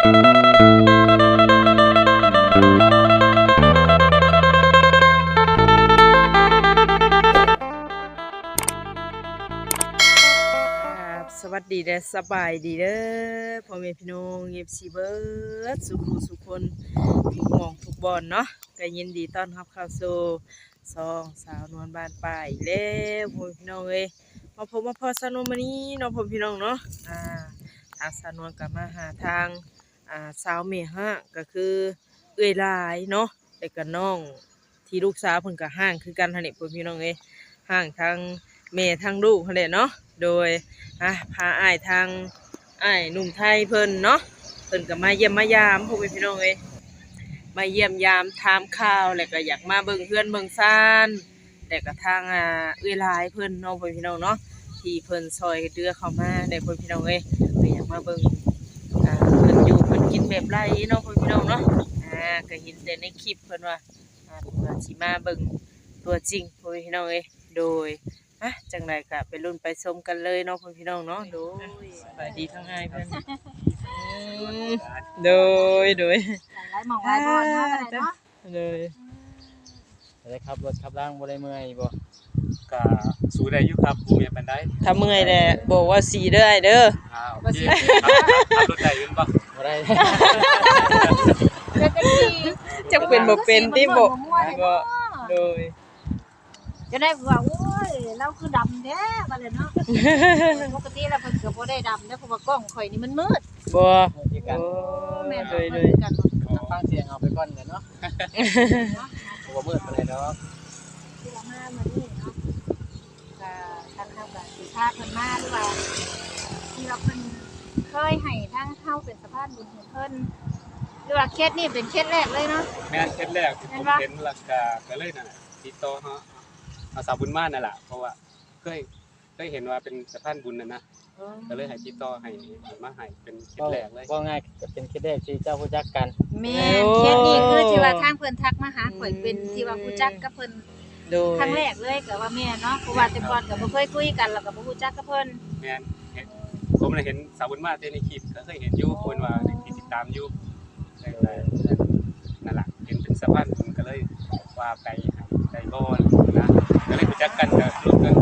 สวัสดีเด้อสบายดีเด้อพ่อแม่พี่น้องFCเบิร์ดสุขุสุคนทุกหม่องทุกบอนเนาะก็ยินดีต้อนรับเข้าสู่ซองสาวนวลบ้านป่าอีกแล้วพ่อแม่พี่น้องเอ้ยมาพบมาพอสาวนวลมื้อนี้เนาะพ่อแม่พี่น้องเนาะทางสาวนวลก็มาหาทางสาวเมฮะก็คือเอื้อยหลายเนาะแต่ก็น้องที่ลูกสาวเพิ่นก็ห่างคือกันหั่นแหละพ่อแม่พี่น้องเอ้ยห่างทางแม่ทางลูกหั่นแหละเนาะโดยพาอ้ายทางอ้ายหนุ่มไทยเพิ่นเนาะเพิ่นก็มาเยี่ยมมายามพวกพี่น้องเอ้ยมาเยี่ยมยามถามข่าวแล้วก็อยากมาเบิ่งเพื่อนเบิ่งซ่านแต่ก็ทางเอื้อยหลายเพิ่นเนาะพี่น้องเนาะที่เพิ่นซอยเดือเข้ามาได้พี่น้องเอ้ยก็อยากมาเบิ่งเพิ่นอยู่เพิ่นกินแบบไรเนาะพี่น้องเนาะก็เห็นแต่ในคลิปเพิ่นว่าเพิ่นว่าสิมาเบิ่งตัวจริงพี่น้องเอ้ยโดยจังไรก็ไปรุ่นไปชมกันเลยเนาะพี่น้องเนาะโดยสบายดีทั้งง่ายเพื่อนโดยหลายหม่องหลายบอนเนาะก็ได้เนาะโดยได้ครับรถขับล่างบ่ได้เมื่อยบ่ก็สู้ได้อยู่ครับบ่มีปานใดถ้าเมื่อยแหละบอกว่าสีเด้อเด้อโอเคขับรถได้อยู่บ่ได้จักเป็นบ่เป็นติบ่ก็โดยจะได้ว่าโอ้ยเราคือดำแท้ว่าเลยเนาะปกติแล้วเพิ่นก็บ่ได้ดำเด้อเพราะว่ากล้องข่อยนี่มันมืดบ่แม่นโดยกันฟังเสียงเอาไปก่อนเนาะบ่มืดปานใดดอกที่เรามานี่เนาะก็ทางเฮาก็สิพาเพิ่นมาหรือว่าที่เราเพิ่นเคยให้ทางเฮาเป็นสะพานบุญให้เพิ่นหรือว่าเคสนี้เป็นเคสแรกเลยเนาะแม่นเคสแรกที่ผมเห็นแล้วก็เลยนั่นน่ะติดต่อเฮาสาวบุญมานั่นล่ะเพราะว่าเคยเห็นว่าเป็นสะพานบุญน่ะนะก็เลยให้ติดต่อให้มาให้เป็นเคสแรกเลยว่าง่ายก็เป็นเคสแรกที่เจ้ารู้จักกันแม่นเคสนี้คือที่ว่าทางเพิ่นทักมาหาข่อยเป็นที่ว่ารู้จักกับเพิ่นครั้งแรกเลยก็ว่าแม่เนาะเพราะว่าแต่ก่อนก็บ่เคยคุยกันแล้วก็บ่รู้จักกับเพิ่นแม่นผมได้เห็นสาวบุญมาในคลิปก็เคยเห็นอยู่เพิ่นว่าติดตามอยู่นั่นล่ะเห็นเป็นสะพานบุญก็เลยว่าไปได้บ่นะก็เลยรู้จักกันก็ร่วมกัน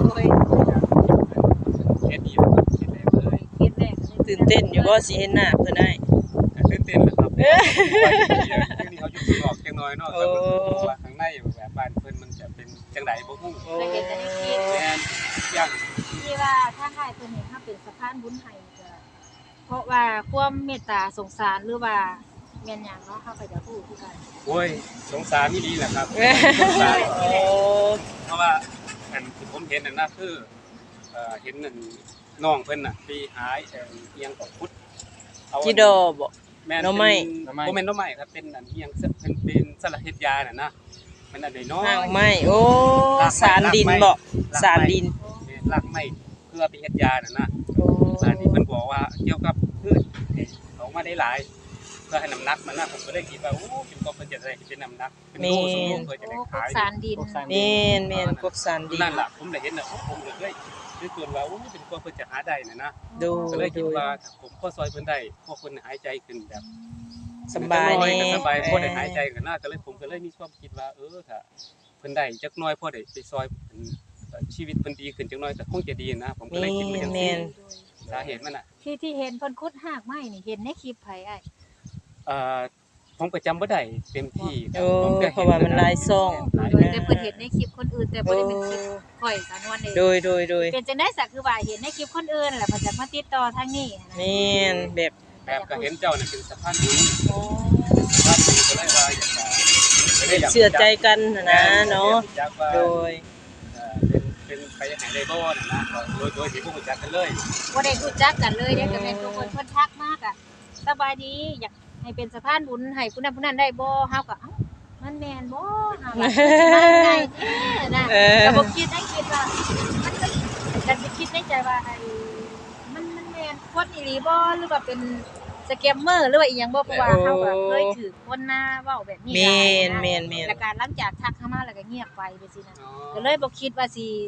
เคสดีครับเคสแรกเลยเคสแรกตื่นเต้นอยู่บ่สิเห็นหน้าเพิ่นได้ตื่นเต้นแล้วครับนี่เขาอยู่ออกจังน้อยเนาะแต่ว่าข้างในแบบบ้านเพิ่นมันจะเป็นจังได๋บ่ฮู้ได้เห็นแต่ในคลิปแม่นอย่างที่ว่าทางอ้ายเพิ่นเห็นเฮาเป็นสะพานบุญให้ก็เพราะว่าความเมตตาสงสารหรือว่าแม่นหยังเนาะเฮาก็จะพูดคือกันโอ้ยสงสารนี่ดีแหละครับสงสารเพราะว่าอันที่ผมเห็นนั่นน่ะคือเห็นนั่นน้องเพิ่นน่ะไปหาเอียงของพุทธจิดอบ่แม่นบ่แม่นน้อไม้ครับเป็นอันเอียงเป็นสลัดเฮ็ดยาน่ะนะมันอันน้อยไม้โอ้สารดินบ่สารดินรากไม้เพื่อไปเฮ็ดยาน่ะนะอันนี้เพิ่นบอกว่าเกี่ยวกับพืชออกมาได้หลายเพื่อให้น้ำหนักมันน่ะผมก็เลยคิดว่าโอ้เป็นก็เพิ่นจะได้เป็นน้ำหนักเป็นโลสมบูรณ์เพื่อจะได้ขายสารดินแม่นพวกสารดินนั่นล่ะผมได้เห็นน่ะผมก็เลยส่วนว่าโอ้เป็นก็เพิ่นจะหาได้น่ะนะก็เลยคิดว่าถ้าผมพอซอยเพิ่นได้พวกเพิ่นหายใจขึ้นแบบสบายนี่สบายพอได้หายใจกันน่าก็เลยผมก็เลยมีความคิดว่าถ้าเพิ่นได้จักน้อยพอได้ไปซอยชีวิตเพิ่นดีขึ้นจักน้อยก็คงจะดีนะผมก็เลยคิดว่าจังซี่สาเหตุมันน่ะที่เห็นเพิ่นขุดหากไม้นี่เห็นในคลิปไผอ้ายผมก็จำบ่ได้เต็มที่ผมก็เพราะว่ามันหลายซ่องแต่เพิ่นเห็นในคลิปคนอื่นแต่บ่ได้เป็นคลิปข่อยสานวนเองโดยเป็นจังได๋ซะคือว่าเห็นในคลิปคนอื่นแหละเพิ่นจะมาติดต่อทางนี้แม่นแบบก็เห็นเจ้าน่ะเป็นสะพานบุญสะพานบุญก็เลยว่าอยากเชื่อใจกันนะเนาะโดยเป็นไปให้ได้บ่น่ะนะโดยที่บ่รู้จักกันเลยบ่ได้รู้จักกันเลยเด้ก็แม่นทุกคนเพิ่นทักมากอ่ะสบายดีอยากให้เป็นสะพานบุญให้ผู้นั้นได้บ่เฮาก็เอ้ามันแม่นบ่เฮาว่าไงนะก็บ่คิดว่ามันก็คิดในใจว่ามันแม่นคนอีหลีบ่หรือว่าเป็นสแกมเมอร์หรือว่าอีหยังบ่เพราะว่าเฮาก็เคยถูกคนหน้าเว้าแบบนี้แม่นแล้วการหลังจากทักเข้ามาแล้วก็เงียบไปจังซี่นะก็เลยบ่คิดว่าสิ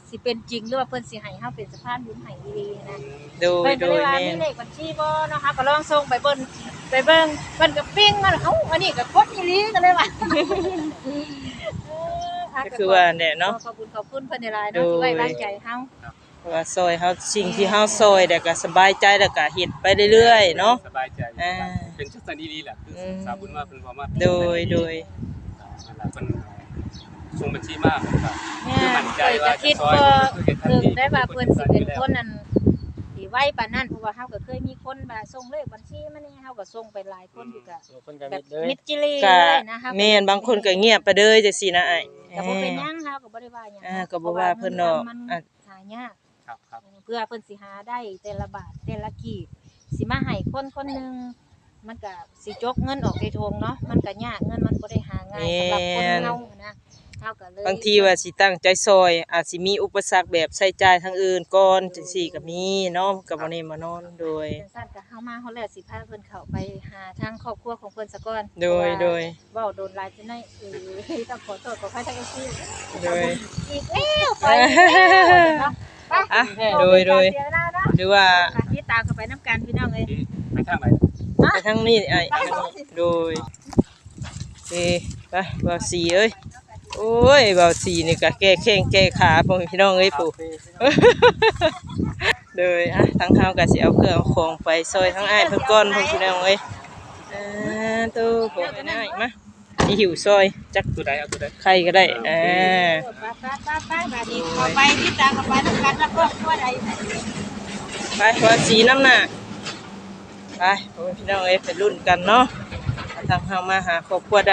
สิเป็นจริงหรือว่าเพิ่นสิให้เฮาเป็นสะพานบุญให้อีหลีนะโดยเพิ่นโดก็เลย ยว่าแม่มีเลขบัญชีบ่เนาะค่ะก็ลองส่งไปเบิ่งเพิ่นก็ปิ้งมาแล้วเอ้าอันนี้ก็กดอีหลีก็เลยว่าก็คือว่าเนี่ยเนาะขอบคุณเพิ่นหลายๆเนาะที่ไว้วางใจเฮาว่าซอยเฮาสิ่งที่เฮาซอยแต่ก็สบายใจแล้วก็เฮ็ดไปเรื่อยๆเนาะสบายใจอ่าเป็นจังซั่นดีๆแหละคือสาวบุญว่าเพิ่นบอกว่าโดยนั่นแหละเพิ่นส่งบัญชีมาผมก็เนี่คืยอมั่นใจเคยว่าจะคิดซอยบ่คือเฮ็ดทันถึงทีได้ว่าเพิ่นสิเป็นคนนั้นที่ไว้ปานนั้นเพราะว่าเฮาก็เคยมีคนมาส่งเลขบัญชีมานี่เฮาก็ส่งไปหลายคนอยู่ก็เพิ่นก็แบมิบดเลยมิดจิลีก็เลยนะคะแม่นบางคนก็เงียบไปเลยจังซี่นะอ้ายก็บ่เป็นหยังเฮาก็บ่ได้ว่าหยังก็บ่ว่าเพิ่นดอกมันอ่ะหายากครับเพื่อเพิ่นสิหาได้แต่ละบาทแต่ละกีบสิมาให้คนคนหนึงมันก็สิจกเงินออกในทงเนาะมันก็ยากเงินมันบ่ได้หาง่ายสำหรับคนเฮานะเฮาก็เลยบางทีว่าสิตั้งใจซอยอาจสิมีอุปสรรคแบบใช้จ่ายทางอื่นก่อนจังซี่ก็มีเนาะก็บ่ได้มานอนโดยจังซั่นก็เฮามาเฮาแล้วสิพาเพิ่นเข้าไปหาทางครอบครัวของเพิ่นซะก่อนโดยเพราะว่าโดยเว้าโดนหลายจังได๋ต้องขอโทษขออภัยทาง FC โดยอีกแล้วไปอีกแล้วเนาะไปอ่ะโดยเสีเวลาเนาะหรือว่าค่ะที่ตามกันไปน้ำกันพี่น้องเอ้ยที่ไปทางไหนไปทางนี้ไอ้ทางนี้โดยไปบ่าวสีเอ้ยโอ้ยบ่าวสีนี่ก็แก้แข้งแก้ขาพ่อแม่พี่น้องเอ้ยปู่ โดยทางเฮาก็สิเอาเครื่องเอาของไปซอยทั้งอ้ายเพิ่นก่อนพ่อพี่น้องเอ้ยตู้ผมไปได้มาสิหิวซอยจักตัวใดเอาตัวใดใครก็ได้ไปแบบนี้เข้าไปที่ตามกันไปน้ำกันแล้วก็ทั่วใดไปว่าสีน้ำหน้าไปพ่อแม่พี่น้องเอ้ยไปรุ่นกันเนาะทางเฮามาหาครอบครัวใด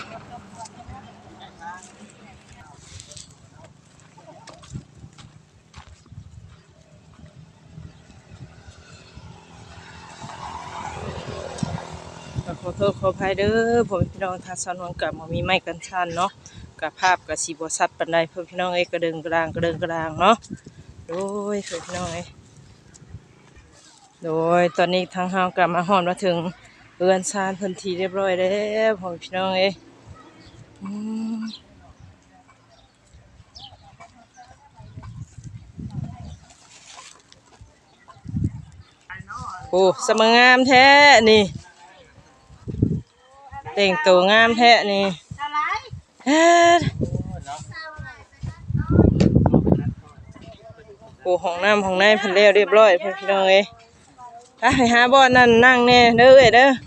ขอโทษขออภัยเด้อผมพี่น้องทางสนวนกับมีไม้กันชันเนาะกับภาพกับสีบสัดปันใดเพื่อนพี่น้องเอ้ยกระเดิงกระดางกระเดิงกระดางเนาะโดยเพื่อนพี่น้องเอ้ยโดยตอนนี้ทางเฮากลับมาฮอดมาถึงเรือนซานพื้นที่เรียบร้อยแล้วผมพี่น้องเอ้ยโอ้สมงามแท้นี่แต่งตัวงามแท้นี่เฮ็ดโอ้ห้องน้ำห้องในเพิ่นแล้วเรียบร้อยเพิ่นพี่น้องเอ้ยไปหาบ่อนนั่นนั่งแน่เด้อเอ้ยเด้อ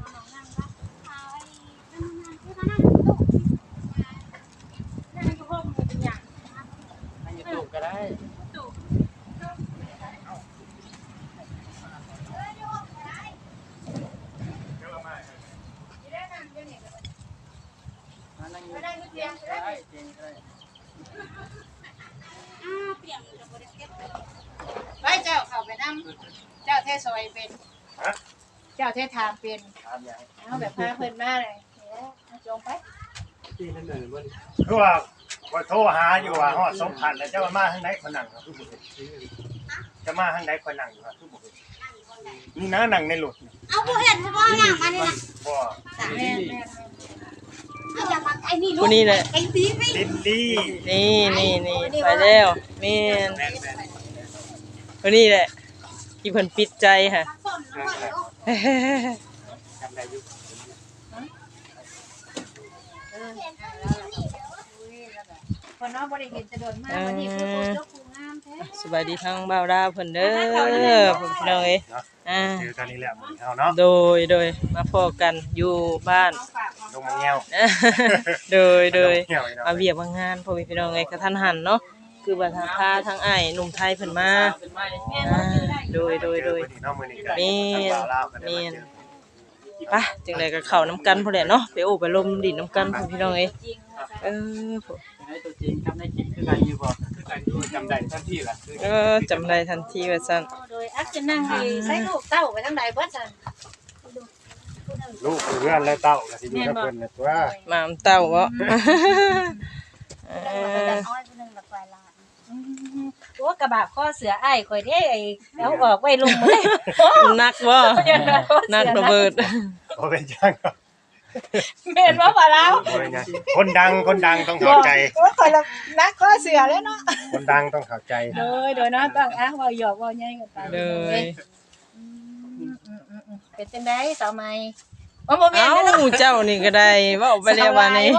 ไปเจ้าเข้าไปนำเจ้าเทซอยเป็นเจ้าเททามเป็นเอาแบบพาเพิ่นมาเลยจงไปที่นั่นน่ะบ่คือว่าโทรหาอยู่ว่าฮอด2,000แล้วจะมาทางไหนคนนั่งครับคือบ่เห็นจะมาทางไหนคนนั่งอยู่ครับคือบ่เห็นนี่นะนั่งในรถเอาผู้เห็นเฉพาะอย่างมันนี่นะบ่แม่เอาอย่างมันไอ้นี่ลูผู้กนี้แหละไอ้ตีไม่ลิลลี่นี่ไปแล้วแม่นแม่นผู้นี้แหละที่เพิ่นปิดใจค่ะสนแล้วก็เดี๋ยวจำได้อยู่คนน้องบ่ได้เห็นจะโดนมากวันนี้คือผู้เจ้าผู้งามแท้สบายดีทั้งบ่าวดาวเพิ่นเด้อผมพี่น้องเอ้ยอ่าคือตอนนี้แหละมื้อเฮาเนาะโดยมาพอกันอยู่บ้านลงมาแง้วโดยแง้วอีกเนาะมาเวียกมางานพ่อพี่น้องเอ้ยกระทันหันเนาะคือว่าทางพาทางอ้ายหนุ่มไทยเพิ่นมาอ่าโดยเจอมื้อนี้เนาะมื้อนี้ก็แม่นทางบ่าวลาวก็ได้แม่มาน เจอไปจังไดก็เข้าน้ำกันพุ่นแหละเนาะไปโอ้ไปลมดินน้ำกันพ่อพี่น้องเอ้ยเออผมให้ตัวจริงจำได้จริงคือกันอยู่บ่คือกันอยู่จำได้ทันทีล่ะคือจำได้ทันทีว่าซั่นโดยอักจะนั่งดีใส่ลูกเต้าไปทางใดเบิดซั่นลูกเพื่อนและเต้าก็สิอยู่กับเพิ่นน่ะตัวหมามเต้าบ่เอแต่ออ้อยคนนึงละกว่าล้านโอ้กระบะข้อเสืออ้ายข่อยเด้ไอ้เอาออกไว้ลุมเลยนักบ่นักระเบิดบ่เป็นจังครับแม่นบ่บ่แล้วโอ้ยนะคนดังต้องเข้าใจโอ้ยข่อยละนักก็เสือแล้วเนาะคนดังต้องเข้าใจโดยเนาะต้องเว้าหยอกเว้าใหญ่กันไปเลยเป็นจังได๋สาวใหม่บ่แม่นเอ้าเด้อเนาะเจ้านี่ก็ได้เว้าไปแล้วว่านี่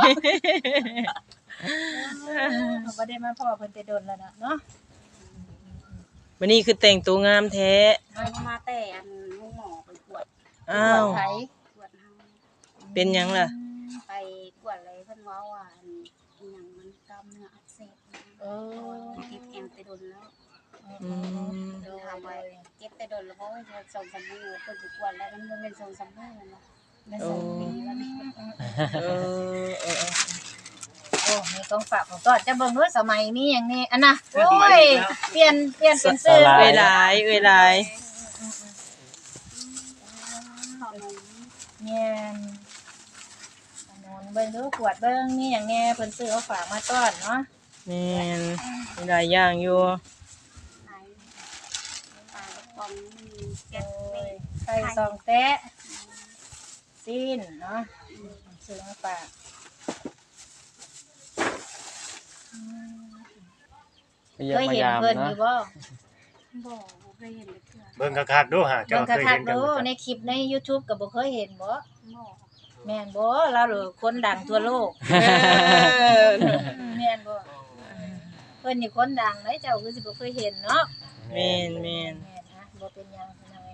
บ่ได้มาพ่อเพิ่นแต่โดนแล้วเนาะวันนี้คือแต่งตัวงามแท้มาแต่อันหมอไปกวดอ้าวไผกวดเฮาเป็นหยังล่ะไปกวดอะไรเพิ่นว่าว่าอันอิหยังมันกล้ามเนื้ออักเสบนะเออติดแอวแต่โดนแล้วอืมถามว่าเจ็บแต่โดนแล้วเพราะว่าจะ2-3มื้อเพิ่นไปกวดแล้วมันบ่แม่น2-3มื้อแล้วนะได้2 ปีแล้วนี่เออโอ้มีของฝากของต้อนจะเบิ่งด้วยสมัยนี้หยังนี่อันน่ะโอ้ยเปลี่ยนเป็นชื่อเวลาเวลาขนมแม่นขนมเบิ่งดูขวดเบิ่งมีหยังแน่เพิ่นซื้อเอาฝากมาต้อนเนาะแม่นมีหลายอย่างอยู่ไข่ปลากระป๋องมีแก๊โอ้สเม็ยดไข่ซองแตะซีนเนาะซื้อมาฝากเยี่ยเคมยมาเห็นยามเพิ่นอเนาะยู่บ่บอกบ่เคยเห็นเลยเทื่อเบิ่งคักๆดูหาเบิ่เจ้าง เคยคัเห็กนๆจังดูบ่ในคลิปใน YouTube ก็บ่เคยเห็นบ่บอกแม่นบ่เราหรือคนดังทั่วโลก แม่นบ่เพิ่นนี่คนดังเด้เจ้าคือสิบ่เคยเห็นเนาะแม่นแม่นแม่นนะบ่เป็นหยังพี่น้องเอ้ย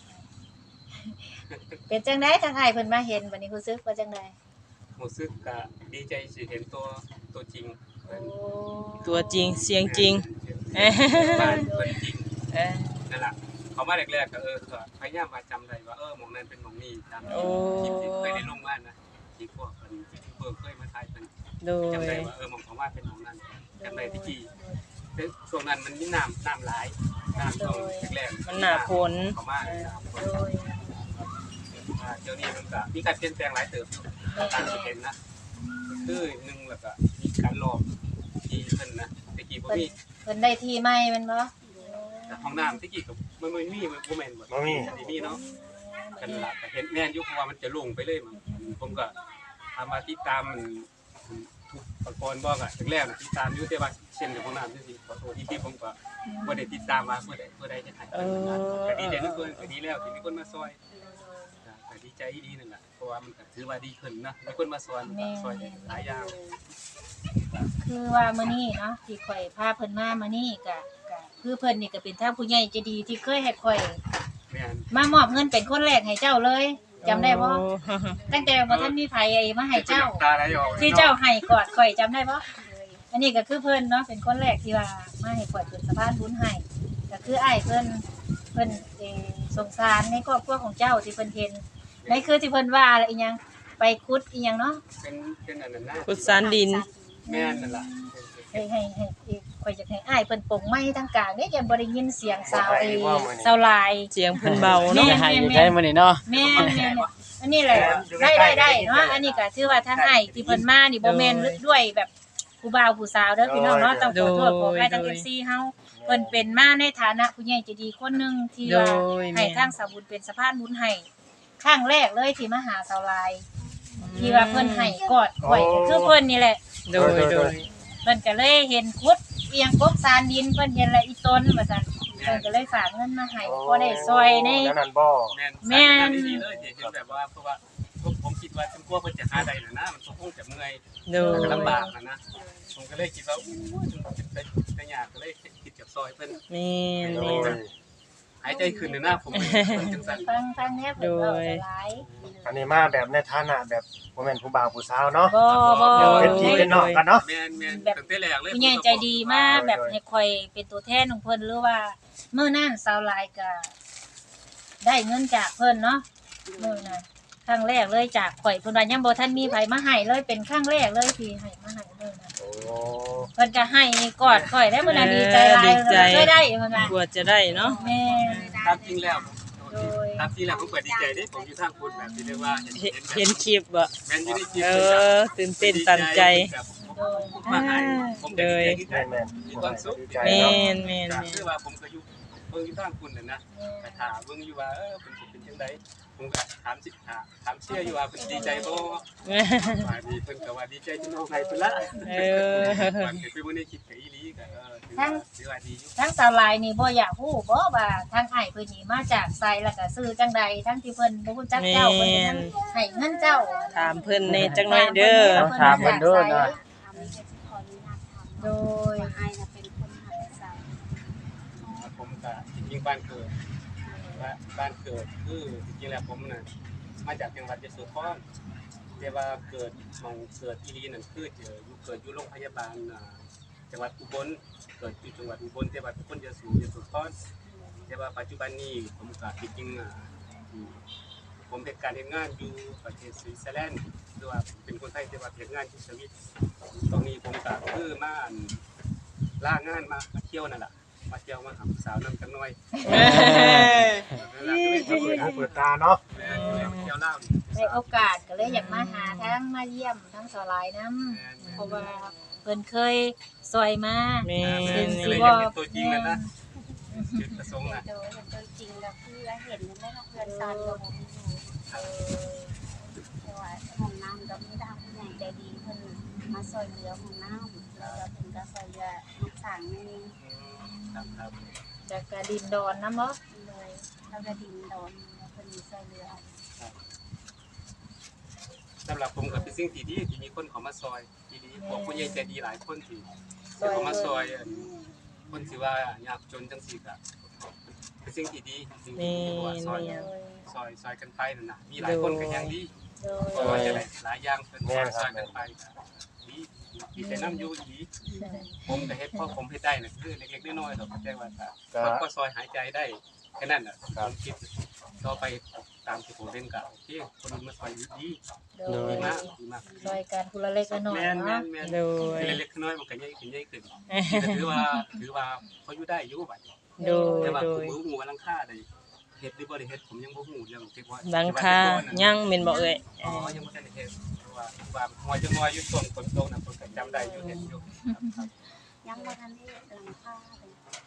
เป็นจังได๋ถ้าใครเพิ่นมาเห็นบัดนี้รู้สึกว่าจังได๋รู้สึกก็ดีใจสิเห็นตัวจริงโอ้ตัวจริงเสียงจริงบ้านเพิ่นจริงเออนั่นล่ะเขามาแรกๆก็ก็พยายามมาจำได้ว่าหม่องนั้นเป็นหม่องนี้ตามโอ้ที่เคยได้ลงบ้านนะที่พวกเพิ่นเคยมาถ่ายเพิ่นโดจำได้ยว่าหม่องของว่าเป็นหม่องนั้นจำได้ที่กี่แต่ช่วงนั้นมันมีน้ำหลายน้ำช่วงแรกๆมันหน้าฝนเขามาน้ำฝนโดยเดี๋ยวนี้มันก็มีการเปลี่ยนแปลงหลายเติบอยู่ตามที่เห็นนะคือหนึ่งแล้วก็มีการหลอกที่เพิ่นนะตะกี้บ่มีเพิ่นได้ที่ใหม่แม่นบ่แต่ห้องน้ำตะกี้ก็มันบ่มีบ่แม่นบ่บ่มีมีเนาะกันละก็เห็นแม่นอยู่เพราะว่ามันจะลงไปเลยผมก็ทำมาติดตามมันทุกประกรณ์บ่ก็แรกๆติดตามอยู่แต่ว่าเช่นกับห้องน้ำจังซี่ขอโทษที่ผมก็บ่ได้ติดตามว่าผู้ใดจะถ่ายก็ดีใจทุกคนก็ดีแล้วที่มีคนมาซอยก็ดีใจดีนั่นแหละเพราะว่ามันก็ถือว่าดีขึ้นนะมีคนมาซอยซอยหลายอย่างคือว่ามื้อนี้เนาะที่ข่อยพาเพิ่นมามื้อนี้ก็คือเพิ่นนี่ก็เป็นทางผู้ใหญ่ใจดีที่เคยให้ข่อยแม่นมามอบเงินเป็นคนแรกให้เจ้าเลยจำได้บ่ตั้งแต่บ่ทันมีไผมาให้เจ้าตาไหลออกที่เจ้าให้กอดข่อยจำได้บ่อันนี้ก็คือเพิ่นเนาะเป็นคนแรกที่ว่ามาให้ข่อยเป็นสะพานบุญให้ก็คืออ้ายเพิ่นสงสารในครอบครัวของเจ้าที่เพิ่นเห็นในคือที่เพิ่นว่าอะไรอีหยังไปขุดอีหยังเนาะเป็นอันนั้นนะกุศลดินแม่นนั่นล่ะให้ข่อยอยากให้อ้ายเพิ่นปลงไม้ทางกลางเด้ยังบ่ได้ยินเสียงสาวไอ้ว่ามื้อนี้สาวลายเสียงเพิ่นเบาเนาะจะให้อยู่ใช้มื้อนี้เนาะแม่นอันนี้แหละได้เนาะอันนี้ก็ถือว่าทางอ้ายที่เพิ่นมานี่บ่แม่นด้วยแบบผู้บ่าวผู้สาวเด้อพี่น้องเนาะต้องขอโทษขออภัยทาง FC เฮาเพิ่นเป็นมาในฐานะผู้ใหญ่ใจดีคนหนึงที่โดว่าย ให้แม่ทางสาวบุญเป็นสะพานบุญให้ครั้งแรกเลยที่มาหาสาวลาย ที่ว่าเพิ่นให้กอดข่อยก็คือเพิ่นนี่แหละโดยโดยเพิ่นก็เลยเห็นคุดเอียงกบซานดินเพิ่นเห็นแล้วอีต้นว่าซั่นเพิ่นก็เลยฝากเงินมาให้พอได้ซอยในนั่นบ่แม่นดีเลยที่เห็นแบบว่าเพราะว่าผมคิดว่าจนกว่าเพิ่นจะหาได้น่ะนะมันคงจะเมื่อยโดยลำบากนะผมก็เลยคิดว่าอู้จะยากก็เลยคิดจากซอยเพิ่นแม่นโดแม่ยนหายใจขึ้นเลยนะผมจังซั่นฟังแน่เพิ่นเว้าจะหลายอันนี้มาแบบในฐานะแบบบ่แม่นผู้บ่าวผู้สาวเนาะบ่เป็นพี่เป็นน้องกันเนาะแม่นตั้งแต่แรกเลยผู้ใหญ่ใจดีมากแบบให้ข่อยเป็นตัวแทนของเพิ่นหรือว่ามื้อนั้นสาวหลายก็ได้เงินจากเพิ่นเนาะมื้อนั้นครั้งแรกเลยจากข่อยเพิ่นว่ายังบ่ทันมีไผมาให้เลยเป็นครั้งแรกเลยที่ให้มาให้มื้อนั้นโอ้เพิ่นก็ให้กอดข่อยได้มื้อนั้นดีใจหลายเคยได้เพิ่นว่ากว่าจะได้เนาะแม่ตามจริงแล้วตามจริงแล้วผมเปิดดีใจได้ผมอยู่ทางคุณแบบที่เรียกว่าเห็นคลิปบ่แม่นอยู่ในคลิปตื่นเต้นตันใจมาให้ผมก็ดีใจที่แม่นมีความสุขดีใจแม่เนาะนแม่นก็แม่นคือว่าผมก็อยู่เบิ่งอยู่ทางคุณน่ะนะแต่ถามเบิ่งอยู่ว่าเป็นสิเป็นจังงใดผมก็ถามเชื่ออยู่ว่าเพิ่นดีใจบ่ว่าดีเพิ่นก็ว่าดีใจที่น้องให้เพิ่นละมันคือไปบ่ได้คิดกับอีหลีก็ถือว่าดีอยู่ทั้งสาวลายนี่บ่อยากฮู้บ่ว่าทางอ้ายเพิ่นนี่มาจากไสแล้วก็ซื้อจังใดทั้งที่เพิ่นบ่รู้จักเจ้าเพิ่นก็ยังให้เงินเจ้าถามเพิ่นแน่จักหน่อยเด้อถามเพิ่นเด้อนะทำนี้ก็สิขออนุญาตถามโดยว่าอ้ายน่ะเป็นคนหัดใส่ผมก็จริงๆบ้านเกิดคือจริงๆแล้วผมน่ะมาจากจังหวัดยโสธรแต่ว่าเกิดอีหลีนั่นคือเกิดอยู่โรงพยาบาลจังหวัดอุบลเกิดอยู่จังหวัดอุบลแต่ว่าเป็นคนยโสธรแต่ว่าปัจจุบันนี้ผมก็จริงๆผมเป็นการเฮ็ดงานอยู่ประเทศสวิตเซอร์แลนด์หรือว่าเป็นคนไทยแต่ว่าเฮ็ดงานที่สวิตตรงนี้ผมก็คือมาล่างานมาเที่ยวนั่นแหละมาเที่ยวมาหาสาวนั่นกันหน่อยเปิดตาเนาะเที่ยวเล่าได้โอกาสก็เลยอยากมาหาทั้งมาเยี่ยมทั้งสาวลายนํเพราะว่าเพิ่นเคยซอยมาแม่ซึ่งนสิเลยบ่อยากเป็นตัวจริงนะจุดประสงค์นะโดยเห็นตัวจริงแล้วคือเห็นนั่นแหละเพื่อนซานก็บ่มีอยู่แต่ว่าห้องน้ำก็มีทางผู้ใหญ่ใจดีเพิ่นมาซอยเหลือห้องน้ำแล้วก็เพิ่นก็ซอยเหลือลูกสางนี่ครับจากกระดินดอนนํบ่เลยแล้วก็ดินโดนแล้วเพิ่นซอยเหลือสำหรับผมก็เป็นสิ่งที่ดีที่มีคนเขามาซอยดีๆพวกผู้ใหญ่ใจดีหลายคนที่เขามาซอยคนที่ว่ายากจนจังซี่ก็เป็นสิ่งที่ดีสิ่งที่ว่าซอยกันไปนั่นน่ะมีหลายคนก็ยังดีโดซอยจะได้หลายอย่างเป็นซอยกันไปดีแต่น้ำอยู่ดีผมก็เฮ็ดเพราะผมเฮ็ดได้น่ะคือเล็กๆน้อยๆดอกแต่ว่าก็ซอยหายใจได้แค่นั้นน่ะผมคิดต่อไปตามที่ผมเล่นก็โอเคคนอื่นมาซอยดีโดดียมากดีมากซอยกันคนละเล็กละน้อยแม่นเนาะๆโดยเล็กๆน้อยมันก็ใหญ่ขึ้นถือว่าเขาอยู่ได้อยู่บัดโดยแต่ว่าโดผมยบ่ฮู้ว่าหลังคาได้เฮ็ดหรือบ่ได้เฮ็ดผมยังบ่ฮู้เรื่องที่ว่าหลังคายังแม่นบ่เอ่ยอ๋อยังบ่ทันได้เฮ็ดเพราะว่าหัวจะงอยอยู่ช่วงฝนตกน่ะผมก็จำได้อยู่เฮ็ดอยู่ครับยังบ่ทันได้หลังคาเลย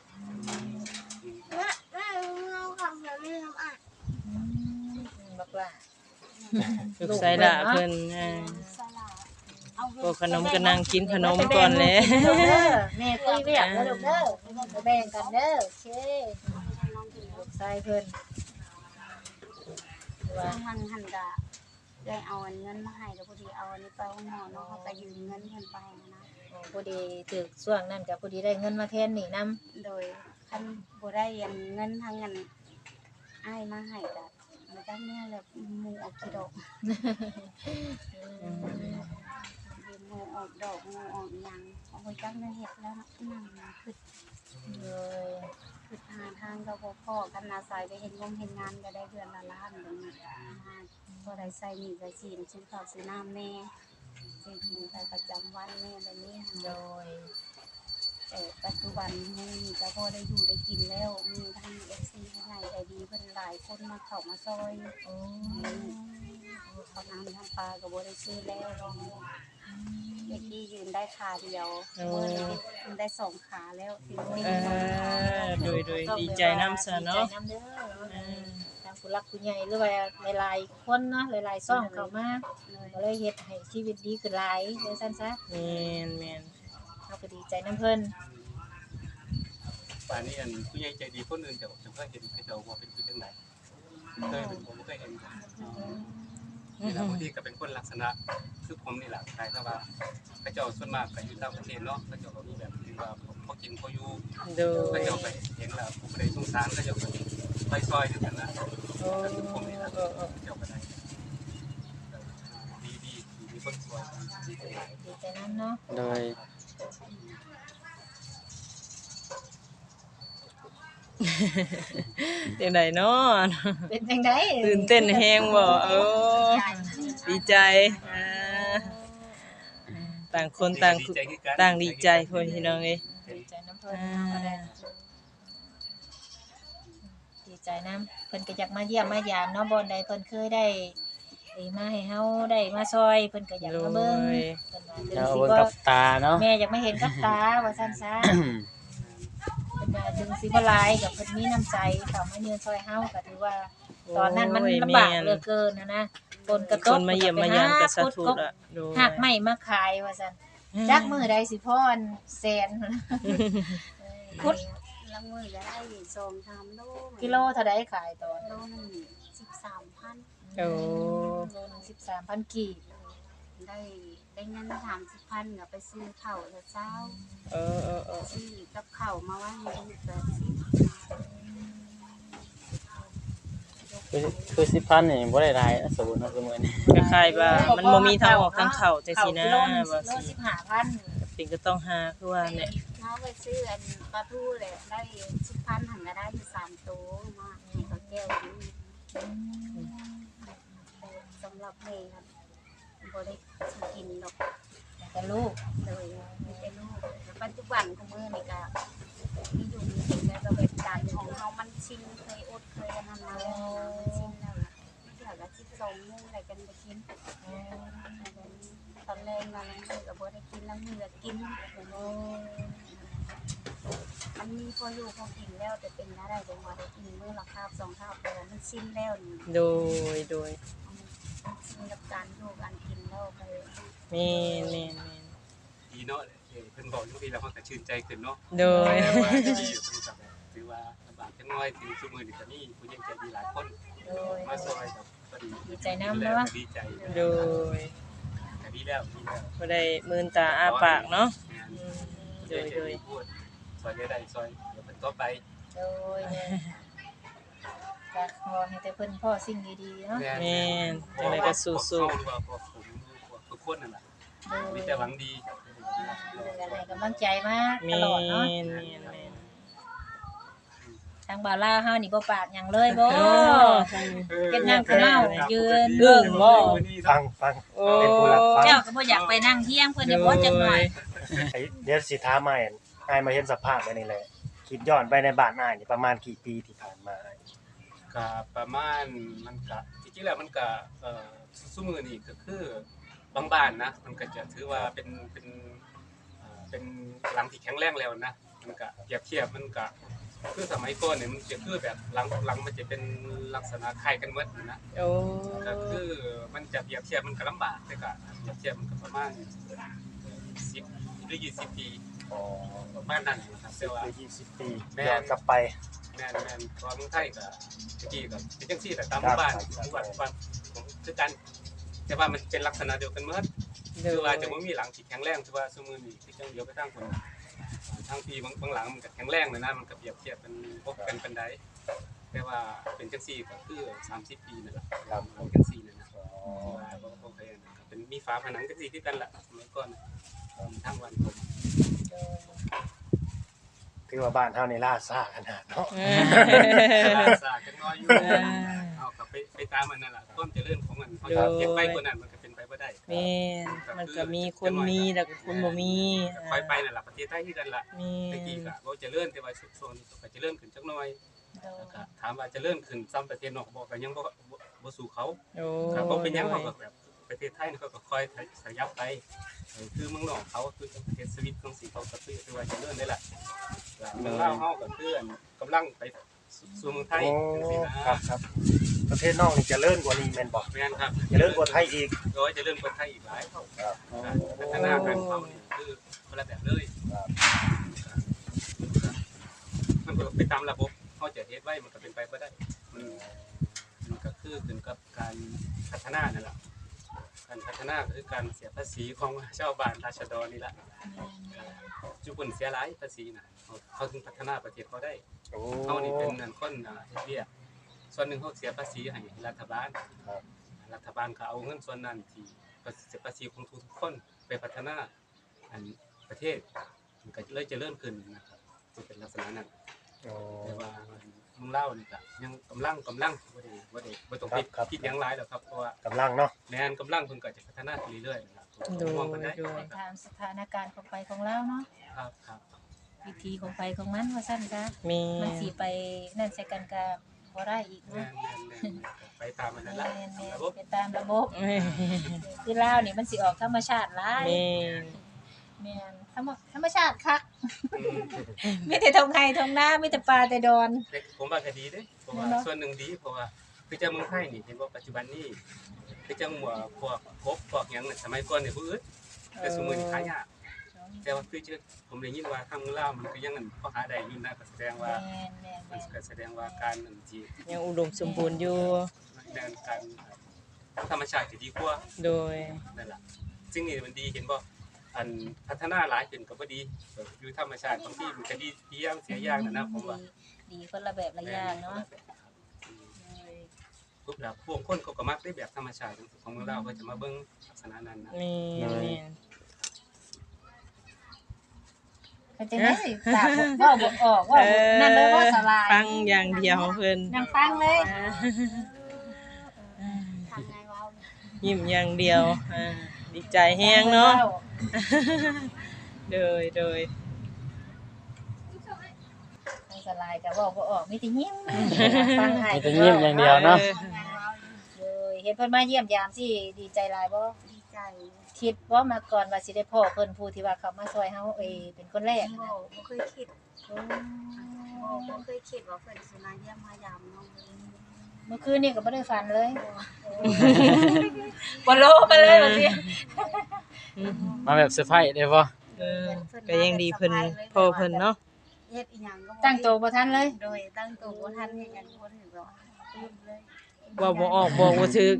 บักล่ะลูกไสล่ะเพิ่นศาลาเอาพวกขนมก็นั่งกินขนมก่อนแหละแม่คุยเวียกเด้อลูกเด้อไปแบ่งกันเด้อโอเคน้องกินลูกชายเพิ่นว่าซึ่งมันหันกะได้เอาเงินมาให้แล้วพอดีเอาอันนี้ไปห้องหมอเนาะเขาก็ยืมเงินเพิ่นไปนะพอดีถึกช่วงนั้นก็พอดีได้เงินมาแทนนี่นํโดยคันบ่ได้เงินทางเงินอ้ายมาให้ก็มาจักแม่แล้วหมู่ออกกี่ดอกหมู่ออกดอกหมู่ออกหยังเอาไปจักแม่เฮ็ดแล้วนั่งคือเลยคือหาทางก็บ่พอกันอาศัยไปเฮ็ดงานก็ได้เดือนละล้านแบบนี้บ่ได้ใช้หนี้ใช้สินซื้อข้าวซื้อน้ำแม่ซื้อกินไปประจำวันแม่แบบนี้โดยแต่ปัจจุบันนี้ก็พอได้อยู่ได้กินแล้วมีทั้ง FC ผู้ใหญ่ใจดีเพิ่นหลายคนมาเข้ามาซอยโอ้เขาน้ำทำปลาก็บ่ได้ซื้อแล้วเด็กที่ยืนได้ขาเดียวเมื่อนี้ยืนได้สองขาแล้วที่นี่โดยดีใจนำซะเนาะดีใจนำเด้อทางผู้รักผู้ใหญ่หรือว่าหลายๆคนเนาะหลายๆซ่องเข้ามาก็เลยเฮ็ดให้ชีวิตดีขึ้นหลายว่าซั่นซะแม่นเฮาก็ดีใจนํเพิ่นป่านนี้ผู้ใหญ่ใจดีคนอื่นจะเคยเห็นเขาจะว่าเป็นที่จังไดเคยเป็นผมเคยเห็นนี่ล่ะบางทีก็เป็นคนลักษณะคือผมนี่แหละคล้ายกับว่าเขาเจ้าส่วนมากก็อยู่ต่างประเทศเนาะเขาเจ้าก็มีแบบที่ว่าพอกินพออยู่โดก็ยจะไปเห็นแล้วผมได้สงสารก็จะไปซอยอยู่กันนะโอ้ผมนี่นะเจ้าก็ได้ดีมีคนสวยดีใจดีใจนำเนาะโดยจังไดเนาะเป็นจังได๋ตื่นเต้นแฮงบ่ดีใจต่างคนต่างดีใจพ่อพี่น้องเอ้ยดีใจนำเพิ่นเนาะก็ได้ดีใจนำเพิ่นก็อยากมาเยี่ยมมายามเนาะบ่อนใดเพิ่นเคยได้มาให้เฮาได้มาซอยเพิ่นก็อยากมาเบิ่งเพิ่นว่าจะเอาสิเบิ่งบ่กับตาเนาะแม่อยากมาเห็นกับตาว่าซั่นซะ เพิ่นว่าถึงสิบ่หลายก็เพิ่นมีน้ำใจเข้ามาเยือนซอยเฮาก็ถือว่าตอนนั้นมันโอ้ยลำบากแม่นเหลือเกินนะฝนกระตคกนมาเยี่ยมมายามก็สะทุดละโดยหักไม้มาขายว่าซั่นจักมื้อใดสิพรแสนพุดละมือก็ได้2-3โลกิโลเท่าใดขายตอนโลนึง13,000 โอ้โลนึง13,000กีบได้เงิน30,000ก็ไปซื้อข้าวแล้วเช้าเออซื้อกับข้าวมาไว้ให้ลูกแบบสิคือ10,000นี่บ่ได้หลายนะสมมุติว่าซุมื้อนี้ก็คล้ายว่ามันบ่มีทางออกทางเข้าจังซี่นะกิโลนึงว่าโลสิ 15,000 เป็นก็ต้องหาคือว่าเนี่ยเฮาไปซื้ออันปลาทูเลยได้10,000หันก็ได้อยู่3ตัวมาให้เขาแก้วกินสำหรับแม่ครับบ่ได้สิกินดอกแต่ลูกเลยมีแต่ลูกแต่ปัจจุบันของมื้อนี่ก็มีอยู่มีกินแล้วก็เป็นการของเฮามันชินเคยอดเคยอันนั้นมาแล้วมันชินแล้วเดี๋ยวละ12โมงอะไรกันไปกินตอนแรกมาแล้วมื้อก็บ่ได้กินแล้วมื้อก็กินมันมีพออยู่พอกินแล้วแต่เป็นอะไรบ่ว่าได้กินมื้อละคาบ2คาบแต่ว่ามันชินแล้วนี่โดยชินกับการอยู่การกินแล้วก็เลยแม่นดีเนาะเพิ่นบอกอยู่พี่แล้วเฮาก็ชื่นใจขึ้นเนาะโดยแต่ว่าที่อยู่เพิ่นก็แบบถือว่าลำบากจังน้อยถึงซุมื้อนี้ก็มีผู้ใหญ่ใจดีหลายคนโดยมาซอยกับพอดีดีใจนำเนาะดีใจโดยก็ดีแล้วดีแล้วบ่ได้มืนตาอ้าปากเนาะโดยพูดซอยได้ซอยเดี๋ยวเป็นต่อไปโดยก็ขอให้แต่เพิ่นพ่อสิ่งดีๆเนาะแม่นจังไดก็สู้ว่าพวกผมทุกคนนั่นแหละมีแต่หวังดีก็ให้กำลังใจมาๆตแม่ลอดเนาะนทางบ่าวลาวเฮานี่บ่ปากหยังเลยบ่ เฮ็ดงานคือเมายืนเรื่องบ่ฟังโอ้เป็นผู้รับฟังเจ้าก็บ่อยากไปนั่งเที่ยงเพิ่นเนี่ยบ่จักหน่อยเดี๋ยวสิถามอ้ายมาเห็นสภาพแบบนี้แหละคิดย้อนไปในบ้านอ้ายนี่ประมาณกี่ปีที่ผ่านมาอ้ายก็ประมาณมันก็จริงๆแล้วมันก็ซุมื้อนี้ก็คือบางบ้านนะมันก็จะถือว่าเป็นหลังที่แข็งแรงแล้วนะมันก็เปรียบเทียบมันก็คือสมัยก่อนเนี่ยมันจะคือแบบหลังมันจะเป็นลักษณะคล้ายกันหมดนะโอ้ก็คือมันจะเปรียบเทียบมันก็ลำบากแต่ก็เปรียบเทียบมันก็ประมาณ10หรือ20 ปีประมาณนั้นครับแต่ว่าหรือ20 ปีแม่นย้อนกลับไปแม่นตอนเมืองไทยก็ตะกี้ก็เป็นจังซี่แต่ตามหมู่บ้านผมคือกันแต่ว่ามันเป็นลักษณะเดียวกันหมดโดคือย ว่าจะบ่มีหลังที่แข็งแรงคือว่าซุมื้อนี้ที่จังเดียวไปทางคนทางพี่บางหลังมันก็แข็งแรงนะมันก็เปรียบเทียบกันพบกันปานใดแต่ว่าเป็นจังซี่ก็คือ30 ปีนั่นแหละครับจังซี่นั่นนะที่ว่าบ่เคยนะก็เป็นมีฝาผนังจังซี่คือกันล่ะสมัยก่อนทางวันผมคือว่าบ้านเฮานี่ล่าซ่าขนาดเนาะสากันน้อยอยู่เอากลับไปตามมันนั่นล่ะความเจริญของมันเขาจะเก็บไปกว่านั้นมันก็เป็นไปบ่ได้แม่นมันก็มีคนมีแล้วก็คนบ่มีค่อยไปนั่นล่ะประเทศไทยคือกันล่ะมีตะกี้ก็บ่เจริญแต่ว่าช่วงนี้ก็เจริญขึ้นจักหน่อยแล้วก็ถามว่าเจริญขึ้นซ้ำประเทศนอกบ่ก็ยังบ่สู้เขาโอ้ก็บ่เป็นหยังเขาก็แบบประเทศไทยนี่เขาก็ค่อยขยับไปคือเมืองนอกเขาคือประเทศสวิตของสิเขาก็คือว่าเจริญได้ล่ะเมืองลาวเฮาก็คือกำลังไปสู่เมืองไทยโอ้จังซี่นะครับประเทศนอกนี่เจริญกว่านี้แม่นบ่แม่นครับเจริญกว่าไทยอีกโดยเจริญกว่าไทยอีกหลายเท่าพัฒนาการเขานี่คือคนละแบบเลยมันก็ไปตามระบบเขาจะเฮ็ดไว้มันก็เป็นไปบ่ได้มันก็คือขึ้นกับการพัฒนานั่นแหละการพัฒนาก็คือการเสียภาษีของชาวบ้านราษฎรนี่แหละจุบุนเสียหลายภาษีน่ะเขาถึงพัฒนาประเทศเขาได้โอ้เขานี่เป็นนั่นคนเฮ็ดเวียกส่วนหนึ่งเขาเสียภาษีให้รัฐบาลรัฐบาลก็เอาเงินส่วนนั้นที่เสียภาษีของทุกคนไปพัฒนาอันประเทศมันก็เลยเจริญขึ้นนะครับจะเป็นลักษณะนั้นโอ้แต่ว่าเมืองเล่านี่ก็ยังกำลังบ่ต้องคิดหยังหลายหรอกครับเพราะว่ากำลังเนาะแม่นกำลังเพิ่นก็จะพัฒนาไปเรื่อยๆนะครับโดยมองกันได้โดยไปตามสถานการณ์ของไปของเราเนาะครับวิธีของไปของมันว่าซั่นซะมีมันสิไปนั่นใส่กันก็บ่ได้อีกแม่เนาะนไปตามมันนั่นแหละแม่นระบบๆไปตามระบบแม่นคือลาวนี่มันสิออกธรรมชาติหลายแม่นแม่นธรรมชาติคักมีแต่ทงไห้ทงนามีแต่ป่าแต่ดอนผมว่าก็ดีเด้เพราะว่าส่วนหนึ่งดีเพราะว่าคือจังเมืองไทยนี่เห็นว่าปัจจุบันนี้คือจังว่าพวกกบพวกหยังน่ะสมัยก่อนนี่บ่อึดแต่สมัยนี้หายากแต่ว่าคือผมได้ยินว่าทางลาวมันก็ยังนั่นพอหาได้อยู่นะก็แสดงว่าแม่นมันก็แสดงว่าการนั่นที่ยังอุดมสมบูรณ์อยู่ในการธรรมชาติที่ดีกว่าโดยนั่นล่ะสิ่งนี้มันดีเห็นบ่อันพัฒนาหลายขึ้นก็บ่ดีอยู่ธรรมชาติบางทีมันก็ดีเพียงเสียอย่างนั่นนะผมว่าดีคนละแบบละอย่างเนาะปุ๊บแล้วพวกคนเขาก็มักได้แบบธรรมชาติของเราก็จะมาเบิ่งลักษณะนั้นนะมีเป็นจังได๋ตาบ่บ่ออกว่านั่นเลยบ่สลายฟังอย่างเดียวเพิ่นนั่งฟังเลยทำไงวะยิ้มอย่างเดียวดีใจแฮงเนาะโดยนั่งสลายก็เว้าบ่ออกมีแต่ยิ้มฟังให้มีแต่ยิ้มอย่างเดียวเนาะเลยเห็นเพิ่นมาเยี่ยมยามสิดีใจหลายบ่ดีใจคิดว่ามาก่อนว่าสิได้พ่อเพิ่นผู้ที่ว่าเขามาช่วยเฮาเป็นคนแรกบ่เคยคิดบ่เคยคิดว่าเพิ่นสิมาเยี่ยมมายามน้องเลยเมื่อคืนนี่ก็บ่ได้ฝันเลยบ่โลมาเลยว่าสิมาแบบเซอร์ไพรส์ได้บ่ก็ยังดีเพิ่นพ่อเพิ่นเนาะเฮ็ดอีหยังก็บ่ตั้งโตวบ่ทันเลยโดยตั้งตัวบ่ทันเฮ็ดหยังบ่ถึงแบบลืมเลยว่าบ่ออกบอกบ่ถึก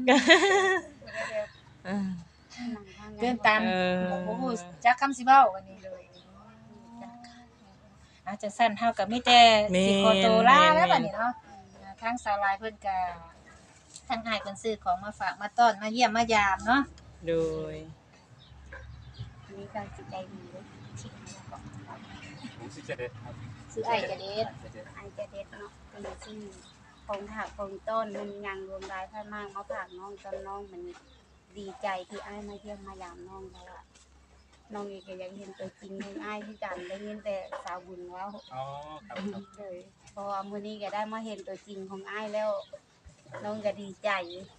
นั่งทางเดินตามเออบ่ฮู้จักคำสิเว้าวันนี้เลยอาจจะสั้นเฮาก็มีแต่สิขอตัวลาแล้วบัดนี้เนาะทางสาวลายเพิ่นก็ทางอ้ายเพิ่นซื้อของมาฝากมาต้อนมาเยี่ยมมายามเนาะโดยมีการจิตใจดีเลยชิดแล้วก็ผมสิจะได้ครับซื้ออ้ายก็เด็ดไอจะเด็ดเนาะเป็นชื่อของผักของต้นมันยังรวมรายพันมากมาผักน้องจนน้องมันดีใจที่อ้ายมาเยี่ยมมายามน้องแล้วอะน้องเองก็ยังเห็นตัวจริงของอ้ายที่กันได้ยินแต่สาวบุญว่าอ๋อครับครับเลยเพราะว่ามื้อนี้ก็ได้มาเห็นตัวจริงของอ้ายแล้ว น้องก็ดีใจ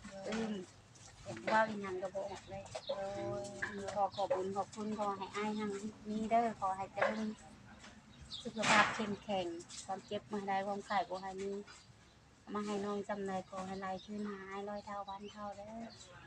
ว่าอีหยังก็บ่ออกเลยขอขอบคุณขอบคุณขอให้อ้ายหังนี้เด้อขอให้เจริญสุขภาพเข้มแข็งความเจ็บมาได้ความไข้บ่ให้มีมาให้น้องจำเลยขอให้ลายขึ้นหาย100 เท่าพันเท่าเด้อ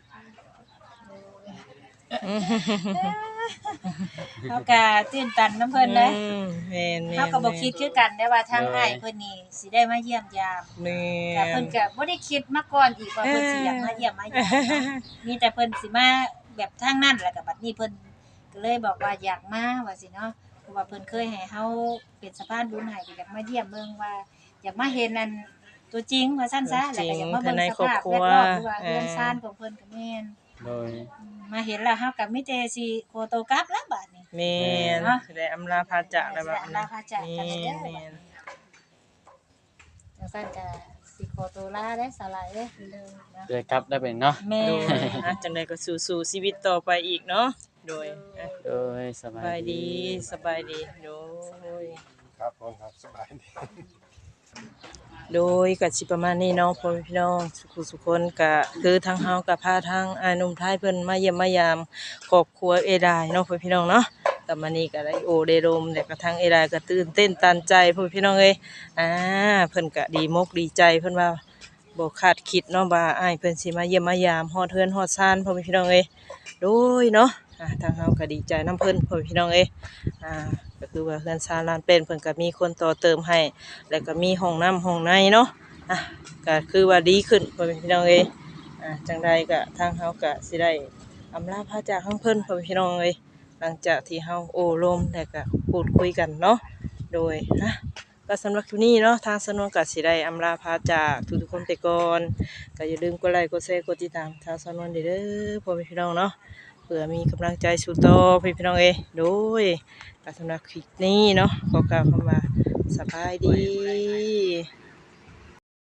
เฮาก็ตื่นตันน้ำเพิ่นเลยแม่นๆเฮาก็บ่คิดคือกันได้ว่าทางอ้ายเพิ่นนี่สิได้มาเยี่ยมยามแม่แต่เพิ่นก็บ่ได้คิดมาก่อนอีกว่าเพิ่นสิอยากมาเยี่ยมมายามมีแต่เพิ่นสิมาแบบทางนั้นแล้วก็บัดนี้เพิ่นก็เลยบอกว่าอยากมาว่าสิเนาะเพราะว่าเพิ่นเคยให้เฮาเป็นสะพานบุญให้ก็อยากมาเยี่ยมเบิ่งว่าอยากมาเห็นนั่นตัวจริงว่าซั่นซะแล้วก็อยากมาเบิ่งสภาพแวดล้อมหรือว่าเรือนซ่านของเพิ่นก็แม่นโดยมาเห็นแล้วเฮาก็มีแต่สิขอตัวกลับแล้วบัดนี้แม่นเนาะสิได้อำลาพาจากแล้วบัดลาพาจากกันแม่เด้อนแม่นจังซั่นก็สิขอตัวลาเด้อสลายเด้อเด้อเนาะเดี๋ยวกลับได้เป็นเนาะแม่โดยจังไดก็สู้ๆชีวิตต่อไปอีกเนาะโดยโดยสสบาบายยดีสบายดีโดยครับผมครับสบายดีโดยก็สิประมาณนี้เนาะพ่อแม่พี่น้องสุขคนก็คือทางเฮาก็พาทางอ้ายหนุ่มไทยเพิ่นมาเยี่ยมมายามครอบครัวเอดายเนาะพ่อพี่น้องเนาะก็มานี่ก็ได้โอได้ลมแล้วก็ทางเอดายก็ตื่นเต้นตันใจพ่อพี่น้องเอ้ยเพิ่นก็ดีมกดีใจเพิ่นว่าบ่คาดคิดเนาะว่าอ้ายเพิ่นสิมาเยี่ยมมายามฮอดเฮือนฮอดซ่านพ่อแม่พี่น้องเอ้ยโดยเนาะทางเฮาก็ดีใจนํเพิ่นพ่อแม่พี่น้องเอ้ยก็คือว่าเฮือนซ่านลานเป็นเพิ่นก็มีคนต่อเติมให้แล้วก็มีห้องน้ำห้องในเนาะก็คือว่าดีขึ้นพ่อแม่พี่น้องเอ้ยจังใดก็ทางเฮาก็สิได้อำลาพาจากทางเพิ่นพ่อแม่พี่น้องเอ้ยหลังจากที่เฮาโอ้ลมแล้วก็พูดคุยกันเนาะโดยก็สำหรับคลิปนี้เนาะทางสนวนก็สิได้อำลาพาจากทุกๆคนไปก่อนก็อย่าลืมกดไลค์กดแชร์กดติดตามทางสนวนเด้อพ่อแม่พี่น้องเนาะเพื่อมีกำลังใจสู่ต่อพี่น้องเอ้ยโดยก็สำหรับคลิปนี้เนาะขอกล่าวคำว่าสบายดี